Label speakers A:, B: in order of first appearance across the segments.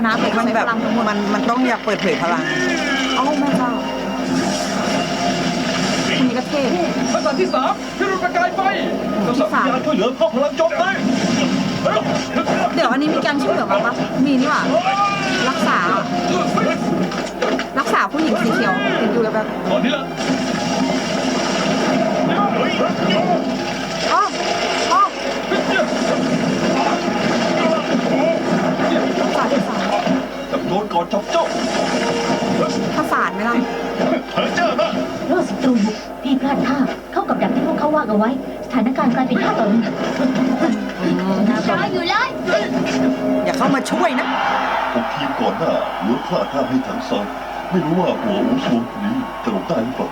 A: นะแต่
B: มัน
A: ใช้
B: แบ
A: พ
B: บ
A: ลังทั้งหมด
B: มันต้องอยากเปิดเผยพลัง
A: เอ้าแม่เจ้าคนนี้ก็เท่
C: ทักษะที่3พิรุณประกายไฟทักษะวิญญาณช่วยเหลือเข้าพลังโจมตี
A: เดี๋ยวอันนี้มีการช่วยเหลือมาปะมีนี่หว่ารักษาผู้หญิงสีเขียวเห็นอยู่แบบ
C: ตอนนี้ละ
A: อ๋ออ๋อภาษาที่สาม
C: กับโดนก่อนจับเจ้า
A: ภาษาไหมล่ะ
C: เจ้านะ
D: โลดศัตรูบุกพี่พลาดท่าเข้ากับดักที่พวกเขาวางเอาไว้ สถานการณ์กลายเป็น5 ต่อ 1ช้าอยู่เลย
B: อย่าเข้ามาช่วยนะ
E: พวกทีมก่อนหน้าล้วนพลาดท่าให้ถังซานไม่รู้ว่าหัวอูสวงนี้จะหลบได้หรือเปล่า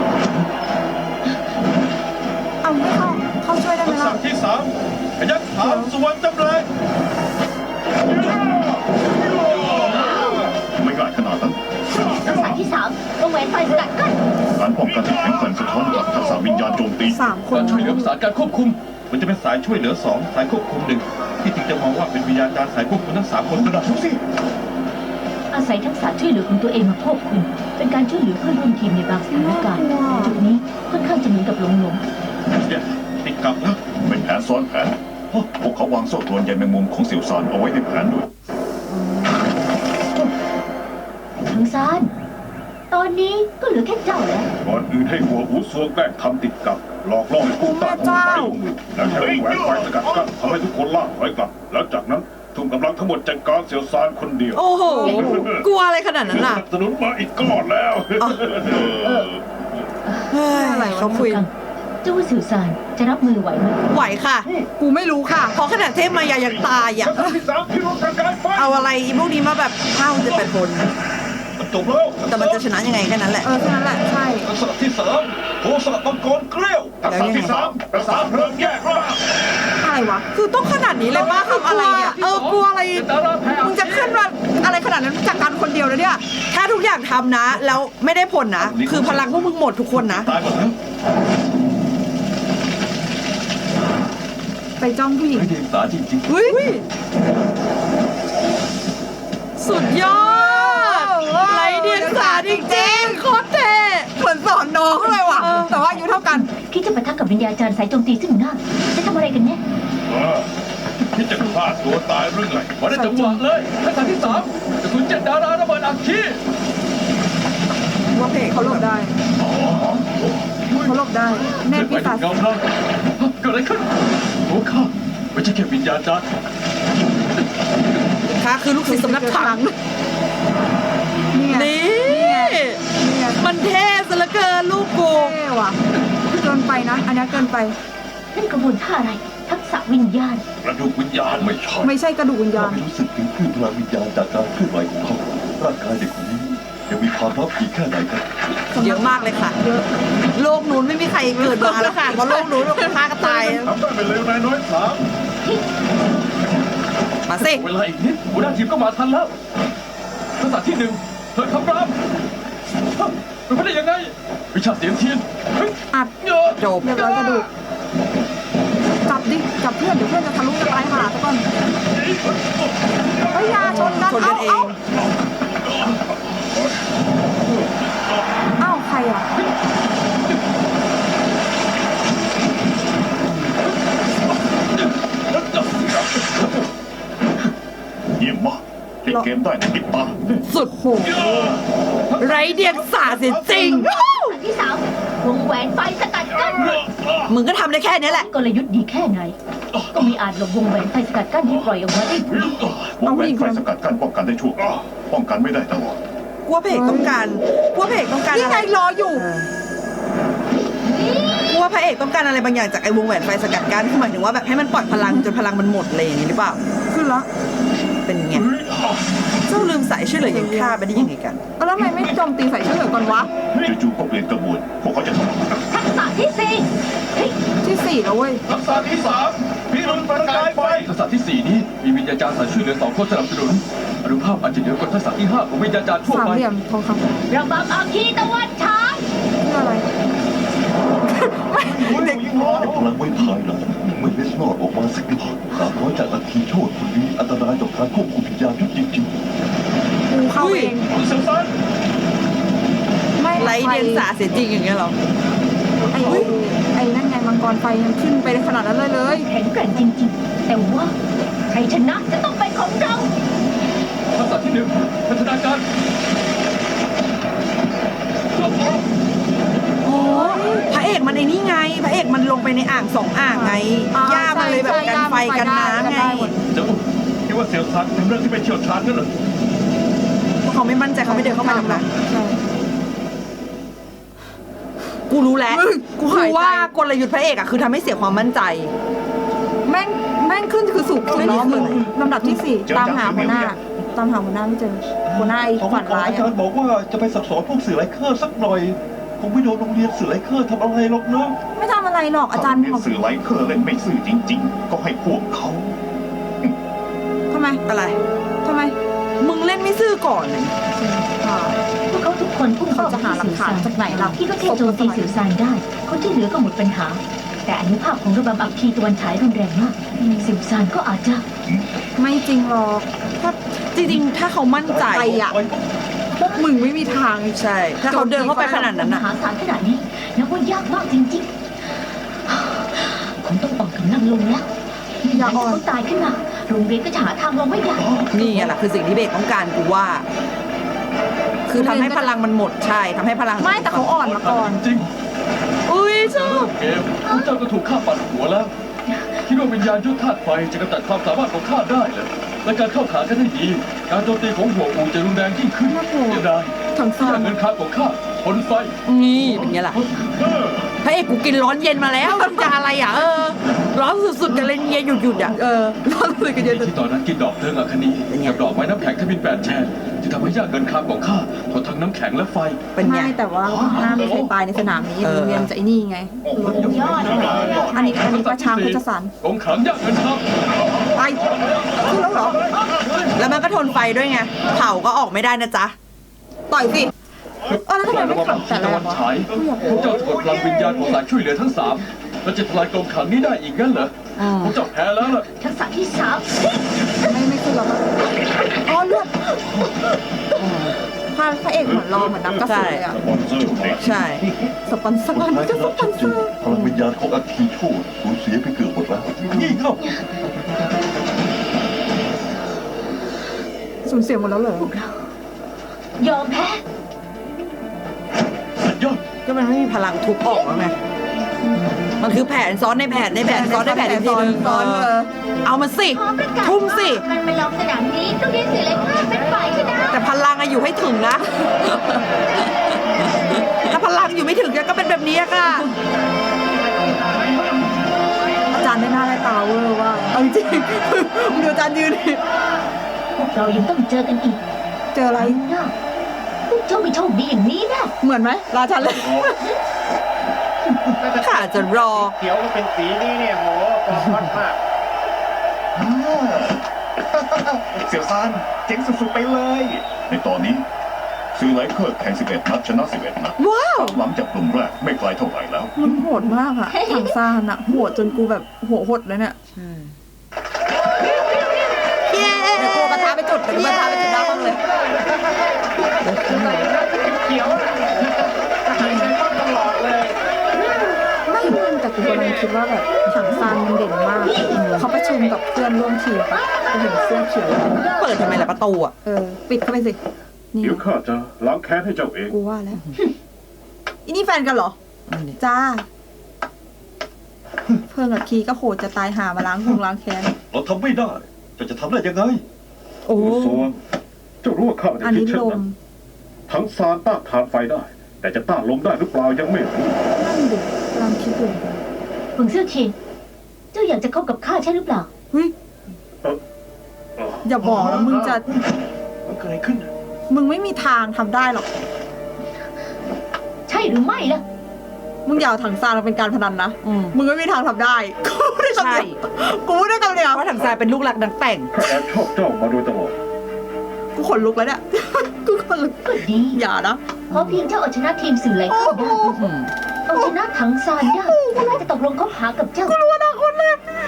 A: เอาไม่เข้าช่วยได้ไหม
C: ทักษะ
A: ล่ะ
C: ที่3พยัคฆ์ถามสวรรค์จำแรง
E: ไม่ง่ายขนาดนั้น
D: ทักษะที่3วงแหวนไฟสกัดกั้น
E: การป้องกันที่แข็งแกร่งสะท้อนกับทักษะวิญญาณโจมตี
A: 3 คน
C: การช่วยเหลือประสานการควบคุม มันจะเป็นสายช่วยเหลือ2สายควบคุม1ที่จริงจะมองว่าเป็นวิญญาณจารย์สายควบคุมทั้ง3คนก็ได้ทุกสิ่ง
D: อาศัยทักษะช่วยเหลือของตัวเองมาควบคุมเป็นการช่วยเหลือเพื่อนร่วมทีมในบางสถานการณ์จุดนี้ค่อนข้างจะเหมือนกับหลง
C: เนี่ยติดกลับแล้ว
E: เป็นแผนซ้อนแผนพวกเขาวางโซ่ตรวนใยแมงมุมของเสี่ยวซานเอาไว้ในแผนด้วย
D: ทางซานตอนนี้ก็เหลือแค่เจ้าแล้ว
E: ก่อนอื่นให้หัวอูสวงแกล้งทำติดกับหลอกล่อให้ผู้ต้านทานลงมือแล้วใช้แหวนไฟสกัดกั้นทำให้ทุกคนล่าถอยกลับ แล้วจากนั้นทุ่มกำลังทั้งหมดจัดการเสี่ยวซานคนเดียว
B: โอ้โห กลัวอะไรขนาดนั้น
E: ส
B: น่ะ
E: นับสนุนมาอีกก้อนแล้ว
B: เฮ้ย
A: อะไรวะ
B: เขาคุย
D: เจ้าว่าสื่อสารจะรับมือไหวไหม
B: ไหวค่ะ
A: กูไม่รู้ค่ะ
B: เพราะขนาดเทพมายายังตายอ่ะ
C: ทักษะที่3พิรุณประกายไฟ
B: เอาอะไรอีพวกนี้มาแบบ5-8 คน
C: มันจบแล้ว
B: แต่มันจะชนะยังไงแค่นั้นแหละ
A: แค่นั้นแหละใช่
C: ทักษะที่3โทสะมังกรเกลี้ยวทักษะที่3ประสานเพลิงแยกร่าง
A: อะไรวะ
B: คือต้องขนาดนี้เลยป้าทำอะไรเนี่ย กลัวอะไร มึงจะขึ้นมาอะไรขนาดนั้นจากการคนเดียวนะเนี่ย ถ้าทุกอย่างทำนะ แล้วไม่ได้ผลนะ คือพลังพวกมึงหมดทุกคนนะ
C: ตายหมดแล้ว
A: ไปจ้องผู้หญิง
C: ไม่เดียงสาจริง
B: เฮ้ย สุดยอดไรเดียงสาจริงๆโคตรเท่เหมือนสอนน้องเลยว่ะ
A: แต่ว่าอายุเท่ากัน
D: คิดจะปะทะกับวิญญาจารย์สายโจมตีซึ่งหน้าจะทำอะไรกันเนี่ย
C: คิดจะฆ่าตัวตายหรือไงมาได้จังหวะเลยทักษะที่3กระสุน7 ดาราระเบิดอัคคี
A: ว่าเพจเขาหลบได้เขาหลบได้แน่
C: เกิดไป
A: พี่
C: ถึ
A: ตาง
C: เงาเราเกิดอะไรขึ้นโอ้ข้าไม่ใช่แค่วิญญาณจารย์
B: ค่ะคือลูกศิษย์สำนักถัง
A: นี่ไง
B: นี่
A: นี่ไง
B: มันเท่ซะเหลือเกินลูกกู
A: เท่ว่ะเกินไปนะ อันนี้เกินไป
D: นั่นกระบวนท่าอะไร ทักษะวิญญาณ
C: กระดูกวิญญาณไม่ใช่
A: ไม่ใช่กระดูกวิญญาณ
E: ไม่รู้สึกถึงคลื่นพลังวิญญาณจากการเคลื่อนไหวของเขาร่างกายเด็กคนนี้ยังมีความลับอีกแค่ไหนครับ
B: เยอะมากเลยค่ะ โลกนู้นไม่มีใครเกิดมาแล้วค่ะ เพราะโลกนู้นฆ่าก็ตาย
C: ทำได้เป็นเร็วนายน้อยสาม
B: มาสิ
C: เวลาอีกนิดหัวหน้าทีมก็มาทันแล้วทักษะที่1เถิดคำรามเป็นไปได้ยังไงวิชาเสียงเทียนเฮ้ย
A: อัด
C: เยอะ
B: จบ
A: เรียบร้อยกระดูกจับดิ จับเพื่อนเดี๋ยวเพื่อนจะทะลุจะตายหาซะก่อนเฮ้ยอยาชนกัน
B: ชนกันเอง
A: เอ้าใครอ่ะ
E: เยี่ยมมากเล่นเกมได้ในติดตา
B: สุดโหไรเดียงสาเสียจริง
D: ทักษะที่3วงแหวนไฟสกัดกั้น
B: มึงก็ทำได้แค่นี้แหละ
D: กลยุทธ์ดีแค่ไหน ก็มีอาจหลบวงแหวนไฟสกัดกั้นที่ปล่อยเอาไว้
E: วงแหวนไฟสกัดกั้นป้องกันได้ชั่วคราวป้องกันไม่ได้ตลอด
B: กลัวเพจต้องการกลัวเพจต้องการ
A: นี่
B: อะ
A: ไง
B: ไร
A: รออยู่
B: กลัวพระเอกต้องการอะไรบางอย่างจากไอ้วงแหวนไฟสกัดกั้นคือหมายถึงว่าแบบให้มันปล่อยพลังจนพลังมันหมดเลยอย่างนี้หรือเปล่า
A: ขึ้นละ
B: เป็นไง เจ้าลืมสายช่วยเหลือยังฆ่าไปได้ยังไงกัน
A: แล้วทำไมไม่โจมตีใส่ชื่อเหลือก่อนวะ
E: จู่ๆก็เปลี่ยนกระบวนพวกเขาจะทำ
D: ทักษะที่4เฮ้ย
A: ที่4แล้วเว้ย
C: ทักษะที่3พิรุณประกายไฟทักษะที่4นี้มีวิญญาจารย์สายช่วยเหลือ2คนสนับสนุนอนุภาพอาจจะเหนือกว่าทักษะที่5ของวิญญาจารย์ทั่ว
A: สาม
C: ไป
A: เหลี่ยมทองคำ
D: ระบำอาคีตะวันฉาย
A: คืออะไร
E: เก็บพลังไว้ภายหลัง
F: ไม่เล็ดลอดออกมาสักนิด300จากอัคคีโชติคนนี้อันตรายต่อการควบคุมวิญญาณยุทธจริง
B: กูเข้าเอง
C: คุณเสี่ยวซาน
A: ไม่
B: ไรเดียงสาเสียจริงอย่างเงี้ยเหรอ
A: ไอ้นั่นไงมังกรไฟยังขึ้นไปขนาดนั้นเลย
D: แข็งแกร่งจริงๆ แต่ว่าใครชนะจะต้องเป็นของเรา
C: ทักษะที่หนึ่งพัฒนาการ
B: โอ้พระเอกมันไอ้นี่ไง พระเอกมันลงไปในอ่าง2 อ่างไง ย่ามันเลยแบบกันไฟกันน้ำไง
C: เจ้าคิดว่าเสี่ยวซานเป็นเรื่องที่ไม่เชี่ยวชาญนั่นเหรอ
B: เพราะเขาไม่มั่นใจเขาไม่เดินเข้าไปหรอกนะ
A: ใช่
B: กูรู้แล้ว
A: กู
B: คื
A: หา
B: อย
A: ใจ
B: ว่ากลยุทธ์พระเอกอะคือทำให้เสียความมั่นใจ
A: แม่งขึ้นคือสูบสุดล้อมือลำดับที่ 4 ตามหาหัวหน้าไม่เจอหัวหน้าไอ้
F: ๆเขา
A: ฝัน
F: ขอ
A: ร้าย
F: อาจารย์บอกว่าจะไปสั่งสอนพวกสื่อไร้เคอร์สักหน่อยคงไม่โดนโรงเรียนสื่อไร้เคอร์ทำอะไรหรอกเนอะ
A: ไม่ทำอะไรหรอกอาจารย์
E: เรียนสื่อไร้เคอร์เล่นไม่ซื่อจริง ๆ ก็ให้พวกเขา
A: ทำไม
B: อะไร
A: ทำไม
B: มึงเล่นไม่ซื่อก่อนเลย
D: พวกเขาทุกคนพุ่งเข้า
A: จะหาหลักฐานจากไหนล่ะ
D: ที่ก็แค่โจมตีสื่อสารได้ คนที่เหลือก็หมดปัญหา แต่อนุภาพของระบำอัคคีตะวันฉายรุนแรงมากสื่อสารก็อาจจะ
A: ไม่จริงหรอก
B: ถ้าจริงๆ ถ้าเขามั่นใจ
A: ใจอะพวกมึงไม่มีทาง
B: ใช่ ถ้าเขาเดินเข้าไปขนาดนั้น
D: ม
B: นะ
D: หาศาลขนาดนี้นับว่ายากมากจริงๆคุณต้องอ่อนกำลังลงแล้ว
A: อย่าอ่อน
D: ต้องตายขึ้นมาโรงเรียนก็จะหาทางลงไม่ได้
B: นี่ไงล่ะคือสิ่งที่เบกต้องการกูว่า คือทำให้พลังมันหมดใช่ทำให้พลัง
A: ไม่แต่เขาอ่อนมาก่อน
C: จริง
B: อุ้ยชอบ
C: เกมพวกเจ้าก็ถูกข้าปัดหัวแล้วคิดว่าวิญญาณยุทธธาตุไฟจะกำจัดความสามารถของข้าได้เหรอและการเข้าขากันได้ดี การโจมตีของหัวอูจะรุนแรงยิ่งขึ้น
A: น่ากลัว
C: เสียดาย
A: ถัง
C: ที่
A: ซ่าน
C: เงินค้าของข้าผลไฟ
B: นี่เป็นไงล่ะพระเอกกูกินร้อนเย็นมาแล้วมึงจะอะไรอ่ะร้อนสุดๆกันเลยเย็นหยุดๆอ่ะร้อนสุดๆกันเย็น
C: ที่ตอนนั้นกินดอกเทิงอัคนีกับดอกไม้น้ำแข็งทบิน8 แฉกจะทำให้ยากเงินค้าของข้าทนทั้งน้ำแข็งและไฟ
B: เป็นไง
A: ไม่แต่ว่าหน้าไม่เคยตายในสนามนี้โรงเรียนจะไอ้นี่ไง
D: ยอด
A: อันนี้ประชาพุทธสาร
C: กองขังยากเงินค้า
A: ไปขึ้นแล้วเหรอ
B: แล้วมันก็ทนไฟด้วยไงเผาก็ออกไม่ได้นะจ๊ะ
A: ต่อยสิแล้วทำไมไม่
C: ระ
A: ขั
C: บบ
A: บแต่
C: ตะ
A: แร
C: วั
A: ก
C: น
A: วะ
C: ฉายพวกเจ้าจะกดพลังวิญญาณของสายช่วยเหลือทั้ง3แล้วจะทลายกองขังนี้ได้อีกงั้นเหรอพวกเจ้าแพ้แล้วล่ะ
D: ทักษะที่3
A: ไม่ขึ้นหรอกอ๋อเลือดพระเอกเหมือนรอเหมือนนักกระสุนเลยอะ
E: สปอนเซอร์เด็ก
B: ใช่
A: สปอนเซอร์
F: สุดท้าย
A: จะ
F: ช
A: ส
F: นะ
A: ปอ
F: ชั
A: น
F: ด
A: เซ
F: เจ
A: อน ร์
F: พลังวิญญาณของอัคคีโชติสูญเสียไปเกือบหมดแล้วนี่เข้า
A: สูญเสียหมดแล้วเหรอ
D: ยอมแพ้
C: สุดยอด
B: ก็มันไม่มีพลังทุบออกแล้วไงมันคือแผนซ้อนในแผนในแผนซ้อนในแผนอีกทีนึง
A: ซ้อน
B: เอามาสิ
D: ขอประกาศ
B: ทุ่มสิ
D: ว่ามันไปลองสนามนี้โรงเรียนสื่อเลยค่ะเป็นฝ่ายชนะ
B: แต่พลังอะอยู่ให้ถึงนะ ถ้าพลังอยู่ไม่ถึงก็เป็นแบบนี้อะค่ะ
A: อาจารย์ได้หน้าได้ตาเวอร์ว่าเอาจริงมึงดูอาจารย์ยืนดิ
D: พวกเรายังต้องเจอกันอีก
A: เจออะไร
D: นะพวกเจ้าไม่โชคดีอย่างนี้นะ
A: เหมือนไหมราชันเลย
B: ข้าจะรอ
G: เขียวก็เป็นสีนี้เนี่ยโหฟอร์มฮอตมาก
E: เสี่ยวซานเจ๋งสุดๆไปเลย ในตอนนี้สื่อไร้เคอร์แข่ง11 นัดชนะ11 นัด
B: ว้าว
E: หลังจากกลุ่มแรกไม่ไกลเท่าไหร่แล้ว
A: มันโหดมากอะถังซานอะโหดจนกูแบบหัวหดเลยเนี่ย
B: เย้
A: เดี๋ยวกูเอากระทะไปจุดเดี๋ยวกูเอากระทะไปจุดหน้าห้องเลย
G: เขียวน่ะหายใจเข้าตลอดเลย
A: ไม่มึงแต่กูกำลังคิดว่าแบบถังซานมันเด่นมากเขาประชุมกับเพื่อนร่วมทีมปะกูเห็นเสื้อเขียว
B: เปิดทำไมล่ะประตูอะ
A: ปิดเข้าไปสินี่
E: เดี๋ยวข้าจะล้างแค้นให้เจ้าเอง
A: กูว่าแล้วอีนี่แฟนกันเหรอ จ้า เพื่อนกับคีก็โหดจะตายหามาล้างแค้น
F: เราทำไม่ได้จะทำได้ยังไง
B: โอ้
E: สวงเจ้ารู้ว่าข้าจะ
A: อัน
E: คิด
A: นี้
E: เช่น
A: ลม
E: นั้นทั้งซานต้านทานไฟได้ แต่จะต้านลมได้หรือเปล่ายังไม่รู้
A: นั่นดิกำลังคิดอยู่
D: เฟิงเสื้อเทียนเจ้าอยากจะคบกับข้าใช่หรือเปล่า
A: เฮ้ยอย่าบอกนะมึงจะ
C: มันเกิดอะไรขึ้น
A: มึงไม่มีทางทำได้หรอก
D: ใช่หรือไม่ล่ะ
A: มึงอย่าเอาถังซานมาเป็นการพนันนะ
B: อืม
A: มึงไม่มีทางทำได้ กูได้คำ
B: ใช่
A: เดียวกูได้คำเดียว
B: เพราะถังทรายเป็นลูกหลักนักแต่ง
E: ข้าแอบชอบเจ้ามาโดยตลอด
A: กูขนลุกแล้วเนี่ย กูขนลุก
D: ก็ดี
A: อย่านะ
D: เพราะเพียงเจ้าเอาชนะทีมสื่อไหลเข้าได้เอาชนะถังซานได้ก็น่าจะตกลงคบหากับเจ้า
A: กูรู้อนาคตเลย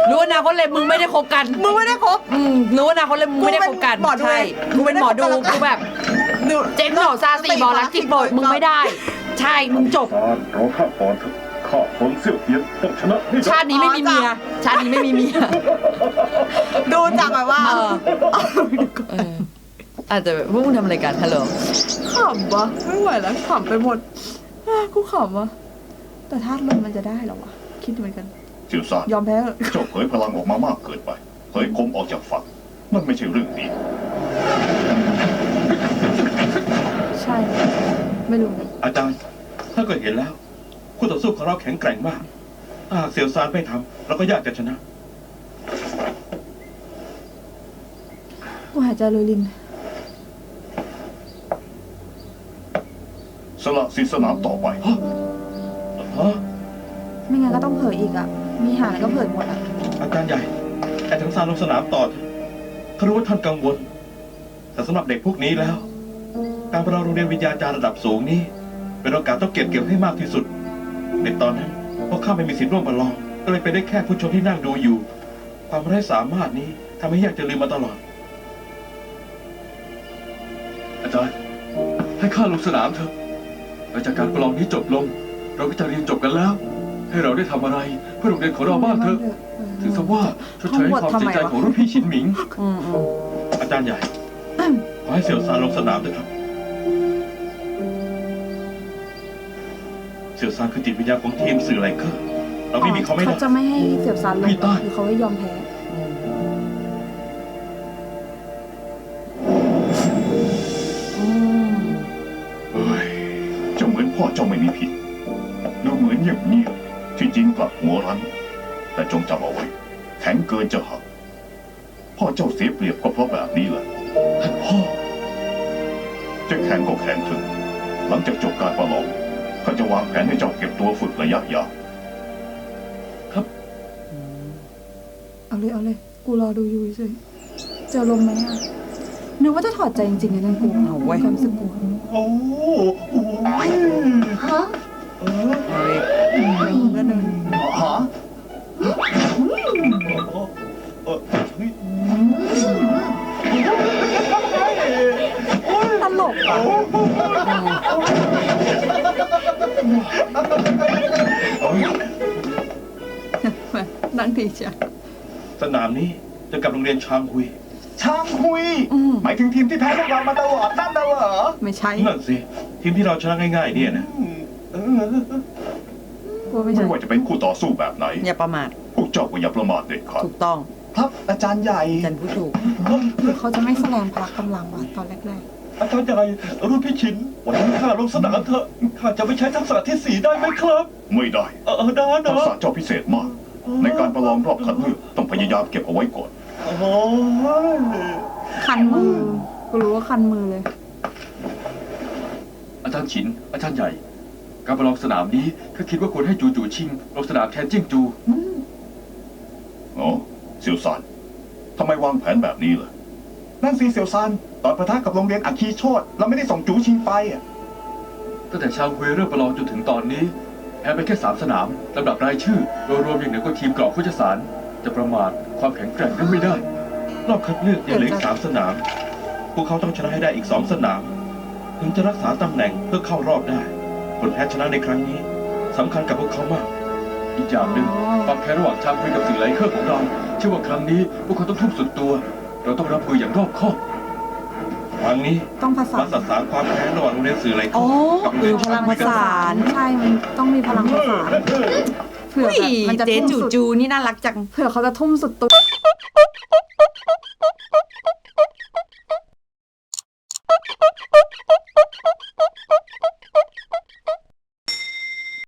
H: รู้อนาคตเลยมึงไม่ได้คบกัน
B: มึงไม่ได้คบ
H: รู้อนาคตเลยมึงไม่ได้คบกัน
B: กูเป็นหมอดู
H: ใช่กูเป็นหมอดูกูแบบเจ๊งโหนซาสีบอลลักจิกโบดมึงไม่ได้ ใช่มึงจบ
E: ซานรอข้าก่อนเถอะข้าคนเสี่ยวเทียนต้องชนะให้ได้
H: ชาตินี้ไม่มีเมียชาตินี้ไม่มีเมีย
B: ดูจากแบบว่า
H: อาจจะแบบพวกมึงทำอะไรกันฮัลโหล
B: ขำวะไม่ไหวแล้วขำไปหมดกูขำวะแต่ธาตุลมมันจะได้เหรอวะคิดเหมือนกัน
F: เสี่ยวซาน
B: ยอมแพ้เถอะ
F: เจ้าเผยพลังออกมามากเกินไปเผยคมออกจากฝักนั่นไม่ใช่เรื่องดี
A: ใช่ ไม่รู้นะ
C: อาจารย์ถ้าก็เห็นแล้วคู่ต่อสู้ของเราแข็งแกร่งมากถ้าหากเสี่ยวซานไม่ทำเราก็ยากจะชนะ
A: กูหายใจเลยลิน
F: สละสิทธิสนามต่อไป
A: ไม่งั้นก็ต้องเผยอีกอ่ะ มีหาอะไรก็เผยหมดอ่ะ
C: อาจารย์ใหญ่ไอ้ทั้งซานลงสนามต่อเถอะเขารู้ว่าท่านกังวล แต่สำหรับเด็กพวกนี้แล้ว การประลองโรงเรียนวิทยาจารย์ระดับสูงนี้ เป็นโอกาสต้องเก็บให้มากที่สุด ในตอนนั้นพวกข้าไม่มีสิทธิ์ร่วมประลอง ก็เลยเป็นได้แค่ผู้ชมที่นั่งดูอยู่ ความไร้สามารถนี้ทำให้ยากจะลืมมาตลอด อาจารย์ให้ข้าลงสนามเถอะหลังจากการประลองนี้จบลง เราก็จะเรียนจบกันแล้ว ให้เราได้ทำอะไรเพื่อโรงเรียนของเราบ้างเถอะ ถือซะว่าชดเชยความเสียใจของรุ่นพี่ชินหมิง อาจารย์ใหญ่ ขอให้เสี่ยวซานลงสนามด้วยครับ เสี่ยวซานคือจิตวิญญาณของทีมสื่อไลเคอร์ เราไม่มีเขาไม่ได้
A: เขาจะไม่ให้เสียบซันลง
C: พี่ต้อย
A: หรือเขาให้ยอมแพ้
F: เฮ้ยเจ้าเหมือนพ่อเจ้าไม่มีผิดดูเหมือนเงียบๆที่จริงกลับหัวรั้น แต่จงจำเอาไว้ แข็งเกินจะหักพ่อเจ้าเสียเปรียบก็เพราะแบบนี้แหละ
C: ท่านพ่อ
F: จะแข็งก็แข็งเถอะหลังจากจบการประลองข้าจะวางแผนให้เจ้าเก็บตัวฝึกระยะยาว
A: เอาเลย เอาเลย กูรอดูอยู่เฉยเจอลมไหมอ่ะ นึกว่าจะถอดใจจริงๆนะนั่นกู
H: เอาไว้
A: ความรู้สึกกู
G: โอ้โห
D: ฮะ
B: แล้วเดิน
G: ฮะ
B: ตลกอ่ะ นั่งดีจ้ะ
C: สนามนี้จะกับโรงเรียนชางฮุย
G: ช่างคุย หมายถึงทีมที่แพ้พวกเรามาตลอดนั่นน่ะเหรอ
B: ไม่ใช่
C: นั่นสิ ทีมที่เราชนะง่ายๆเนี่ยนะ
A: กูไม่
F: ไม่
A: ใช่
F: ว่าจะเป็นคู่ต่อสู้แบบไหน
H: อย่าประมาท
F: พวกเจ้าก็อย่าประมาทเด็ดขาด
H: ถูกต้อง
G: ครับอาจารย์ใหญ่
H: จันพูดถูก
A: หรือเขาจะไม่แสดงพละกำลังวะตอนแรก
C: อาจารย์ใหญ่รุ่นพี่ชินวันนี้ข้าลงสนามเถอะข้าจะไม่ใช้ทักษะที่ 4 ได้ไหมครับ
F: ไม่ได้
C: ได้
F: ทัก
C: นะ
F: ษะเจ้าพิเศษมาก ในการประลองรอบคัดเลือกต้องพยายามเก็บเอาไว้ก่อน
C: โอ้โห
A: ๆ คันมือ กูรู้ว่าคันมือเลย
C: อาจารย์ฉิน อาจารย์ใหญ่ การประลองสนามนี้ข้าคิดว่าควรให้จูจูชิงลงสนามแทนจิ้งจู
F: อ๋อเสี่ยวซานทำไมวางแผนแบบนี้ล่ะ
G: นั่นสิเสี่ยวซานตอนปะทะกับโรงเรียนอัคคีโชตเราไม่ได้ส่งจูชิงไปอ่ะ
C: ตั้งแต่ชางฮุยเริ่มประลองจนถึงตอนนี้แพ้ไปแค่3 สนามลำดับรายชื่อโดยรวมอย่างเหนือกว่าทีมกรอบโคชสารจะประมาทความแข็งแกร่งนั้นไม่ได้ รอบคัดเลือกยังเหลืออีก3 สนาม พวกเขาต้องชนะให้ได้อีก2 สนาม ถึงจะรักษาตำแหน่งเพื่อเข้ารอบได้ ผลแพ้ชนะในครั้งนี้สำคัญกับพวกเขามาก อีกอย่างหนึ่งความแพ้ระหว่างชางฮุยกับสื่อไลเคอร์ของเราเชื่อว่าครั้งนี้พวกเขาต้องทุ่มสุดตัว เราต้องรับมืออย่างรอบคอบครั้งนี้
A: ต้องผสา
C: มาน สสารความแพ้ระหว่างโรงเรียนสื่อไลเคอ
H: อ๋อ
C: ร์กับโรงเรียน
H: พลังประสาน
A: ใช่ มันต้องมีพลังประสานเผื่อแบบมันจะ
H: เจ๊
A: ทุ่ม
H: จู
A: สุด
H: จูนี่น่ารักจัง
A: เผื่อเขาจะทุ่มสุดตัว